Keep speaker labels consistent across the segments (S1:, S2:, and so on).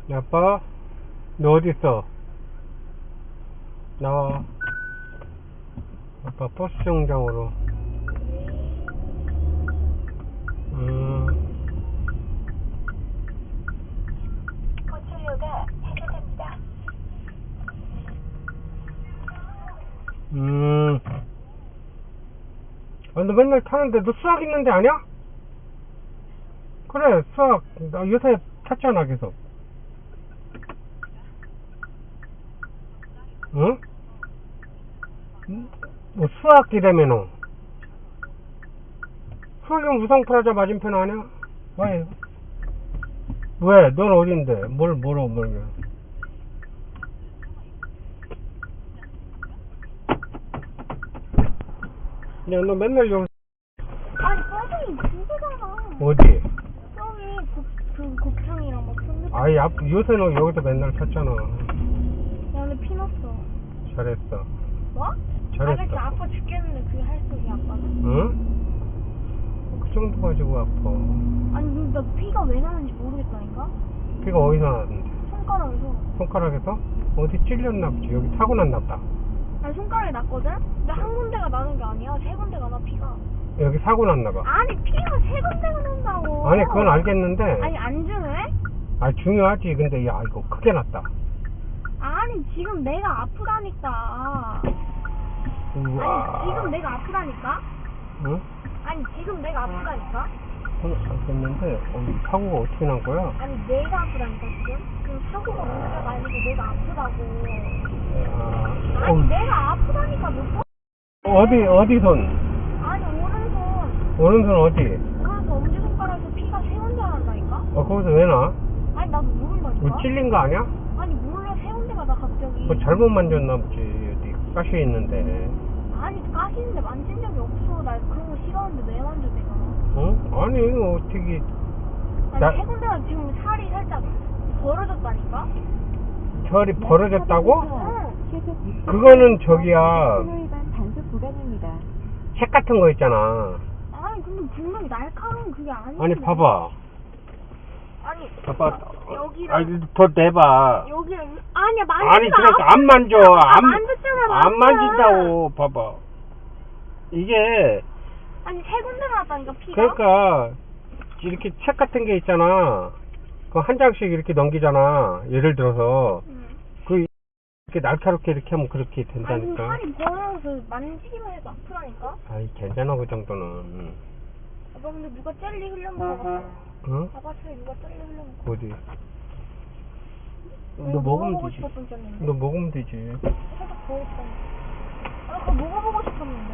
S1: 아빠, 너 어디 있어? 나와. 아빠 버스 정류장으로.
S2: 고출료가 해제됩니다.
S1: 너 맨날 타는데 너 수학 있는데 아니야? 그래, 수학. 나 요새 탔잖아, 계속. 응? 뭐 수학이라면은. 수학이면 우상프라자 맞은편 아니야? 왜? 넌 어딘데? 뭘. 야, 너 맨날 여기.
S2: 아니, 서빙이 그거잖아.
S1: 어디?
S2: 서빙, 곱창이랑 막 순대.
S1: 아이, 요새는 여기서 맨날 탔잖아.
S2: 야, 근데 피 났어.
S1: 잘했어.
S2: 뭐?
S1: 잘했어.
S2: 아저씨 아파 죽겠는데 그게 할 소리야, 아빠는?
S1: 응? 그 정도 가지고 아파.
S2: 아니, 근데 나 피가 왜 나는지 모르겠다니까?
S1: 피가 어디서 나는데?
S2: 손가락에서.
S1: 손가락에서? 어디 찔렸나 보지. 여기 타고 났나 보다.
S2: 아니, 손가락에 났거든? 근데 한 군데가 나는 게 아니야. 세 군데가 나, 피가.
S1: 여기 사고 났나 봐.
S2: 아니, 피가 세 군데가 난다고.
S1: 아니, 그건 알겠는데.
S2: 아니, 안 중요해?
S1: 아, 중요하지. 근데 야, 이거 크게 났다.
S2: 아니, 지금 내가 아프다니까.
S1: 우와.
S2: 아니, 지금 내가 아프다니까?
S1: 응?
S2: 아니, 지금 내가 아프다니까?
S1: 그건 알겠는데, 사고가 어떻게 난 거야?
S2: 아니, 내가 아프다니까, 지금? 그 사고가 문제가 아니고 내가 아프다고. 아니, 내가 아프다니까, 못
S1: 어디 손?
S2: 아니, 오른손.
S1: 오른손 어디?
S2: 오른손 엄지손가락에서 피가 세 군데 난다니까?
S1: 거기서 왜 나?
S2: 아니, 나도 모른다니까?
S1: 뭐 찔린 거 아니야?
S2: 아니, 몰라, 세 군데가 나 갑자기.
S1: 뭐 잘못 만졌나 보지. 어디 가시 있는데.
S2: 아니, 까시는데 만진 적이 없어. 나 그런 거 싫어하는데 왜 만져, 내가?
S1: 응? 아니, 어떻게.
S2: 아니, 세 군데가 지금 살이 살짝 벌어졌다니까?
S1: 혈이 벌어졌다고?
S2: 응.
S1: 그거는 저기야.
S3: 단속 구간입니다.
S1: 책 같은 거 있잖아.
S2: 아니, 근데 분명히 날카로운 그게 아닌데.
S1: 아니, 봐봐.
S2: 아니,
S1: 봐봐.
S2: 여기랑.
S1: 아니, 더 내봐.
S2: 여기랑. 아니야, 만지지도
S1: 아니, 그러니까 안 만져.
S2: 만졌잖아,
S1: 안 만진다고. 봐봐. 이게.
S2: 아니, 세 군데 나왔다니까, 피가.
S1: 그러니까, 이렇게 책 같은 게 있잖아. 그 한 장씩 이렇게 넘기잖아. 예를 들어서.
S2: 응.
S1: 그, 이렇게 날카롭게 이렇게 하면 그렇게
S2: 아니,
S1: 된다니까.
S2: 살이 벌어서 만지기만 해도 아프다니까?
S1: 아이, 괜찮아, 그 정도는.
S2: 아빠, 근데 누가 젤리 흘려먹어 봤어?
S1: 응?
S2: 아빠 차에 누가 젤리 흘려먹어.
S1: 어디? 너
S2: 내가
S1: 먹으면
S2: 먹어보고
S1: 되지.
S2: 싶었던 젤리인데.
S1: 너 먹으면 되지.
S2: 살짝 더 있다. 아, 그거 먹어보고 싶었는데.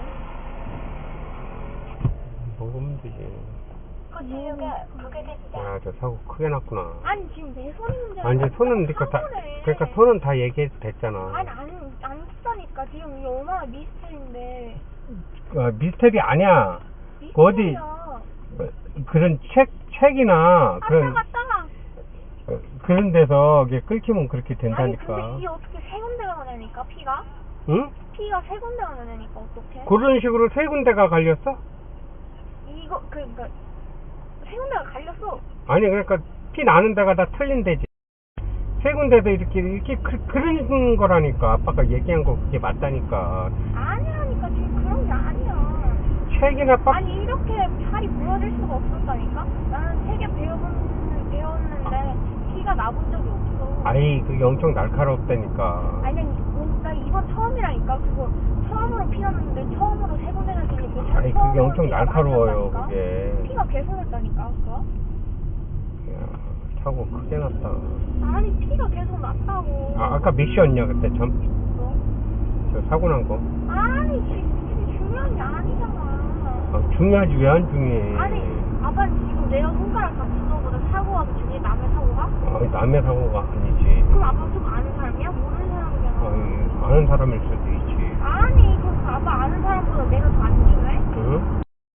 S1: 먹으면 되지.
S2: 고치료가 부과됩니다.
S1: 야, 저 사고 크게 났구나.
S2: 아니, 지금 내 손이 문제야.
S1: 아니, 이제 손은, 그러니까 손은 다 얘기해도 됐잖아.
S2: 아니, 안 쓰다니까. 지금 이게 얼마나 미스터리인데.
S1: 미스터리 아니야.
S2: 미스터리야.
S1: 그런 책이나,
S2: 갔다가.
S1: 그런 데서 이게 끊기면 그렇게
S2: 아니,
S1: 된다니까.
S2: 근데 이게 어떻게 세 군데가 나냐니까, 피가?
S1: 응?
S2: 피가 세 군데가 나냐니까, 어떡해?
S1: 그런 식으로 세 군데가 갈렸어?
S2: 이거, 그러니까, 세 군데가 갈렸어.
S1: 아니, 그러니까 피 나는 데가 다 틀린 데지. 세 군데도 이렇게 그런 거라니까. 아빠가 얘기한 거 그게 맞다니까.
S2: 아니라니까, 지금 그런 게 아니야.
S1: 책이나
S2: 아니, 이렇게 팔이 부러질 수가 없었다니까? 나는 세 개 배웠는데, 피가 나본 적이 없어.
S1: 아이, 그게 엄청 날카롭다니까.
S2: 아니, 나 이번 처음이라니까. 그거 처음으로 피 났는데 처음으로 세 군데나 들리고
S1: 아이, 그게 엄청 날카로워요, 그게.
S2: 피가 계속했다니까, 그거.
S1: 야, 사고 크게 났다.
S2: 아니, 피가 계속 났다고.
S1: 아까 몇 시였냐, 그때 참?
S2: 뭐?
S1: 저 사고 난 거.
S2: 아니, 지금 중요한 게 아니잖아.
S1: 중요하지, 왜 안 중요해?
S2: 아니, 아빠는 지금 내가 손가락 다친 거보다 사고가 더 중요해? 남의 사고가?
S1: 남의 사고가 아니지.
S2: 그럼 아빠 좀 아는 사람이야? 모르는 사람이잖아.
S1: 아는 사람일 수